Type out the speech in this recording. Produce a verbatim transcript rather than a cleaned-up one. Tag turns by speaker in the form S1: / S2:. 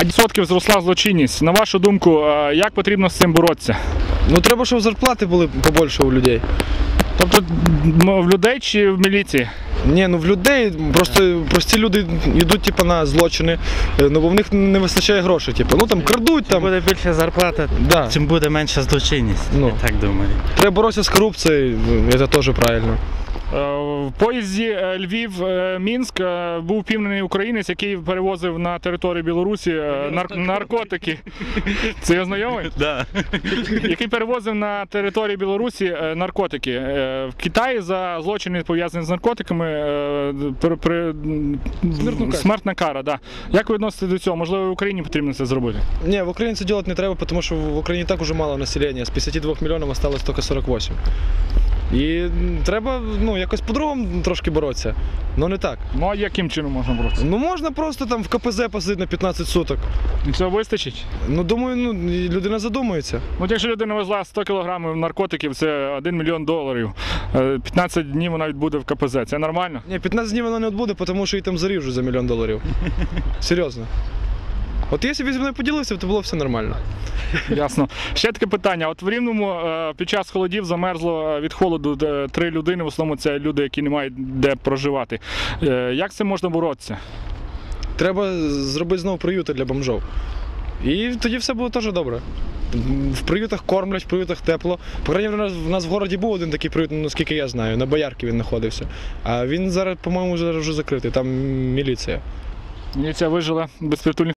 S1: Відсотків зросла злочинність. На вашу думку, як потрібно з цим боротися?
S2: Ну треба, щоб зарплати були побольше у людей.
S1: Тобто в людей чи в міліції?
S2: Ні, ну в людей, просто прості люди йдуть типу, на злочини, ну бо в них не вистачає грошей. Типу. Ну там крадуть.
S3: Чим
S2: Там.
S3: буде більше зарплата,
S2: Да.
S3: чим буде менша злочинність,
S2: Ну.
S3: я так думаю.
S2: Треба боротися з корупцією, це теж правильно.
S1: В поїзді Львів-Мінськ був впійманий українець, який перевозив на територію Білорусі нар- наркотики. Це я знайомий?
S3: Да.
S1: Який перевозив на території Білорусі наркотики. В Китаї за злочини, пов'язані з наркотиками, при, при... смертна кара. Да. Як ви відноситесь до цього? Можливо, в Україні потрібно це зробити?
S2: Ні, в Україні це робити не треба, тому що в Україні так уже мало населення. З п'ятдесят двох мільйонів залишилось тільки сорок вісім. І треба ну, якось по-другому трошки боротися, але не так.
S1: Ну а яким чином можна боротися?
S2: Ну можна просто там в ка пе зет посадити на п'ятнадцять суток.
S1: І цього вистачить?
S2: Ну думаю, ну, людина задумується.
S1: Ну, якщо людина везла сто кілограмів наркотиків, це один мільйон доларів. п'ятнадцять днів вона відбуде в ка пе зет. Це нормально?
S2: Ні, п'ятнадцять днів вона не відбуде, тому що її там заріжуть за мільйон доларів. Серйозно. От якщо б зі мною поділився, то було все нормально.
S1: Ясно. Ще таке питання. От в Рівному під час холодів замерзло від холоду три людини, в основному це люди, які не мають де проживати. Як з цим можна боротися?
S2: Треба зробити знову приюти для бомжов. І тоді все буде теж добре. В приютах кормлять, в приютах тепло. По крайній мірі, у нас, в нас в городі був один такий приют, наскільки я знаю, на Боярки він знаходився. А він зараз, по-моєму, вже закритий, там міліція.
S1: Міліція вижила безпритульних.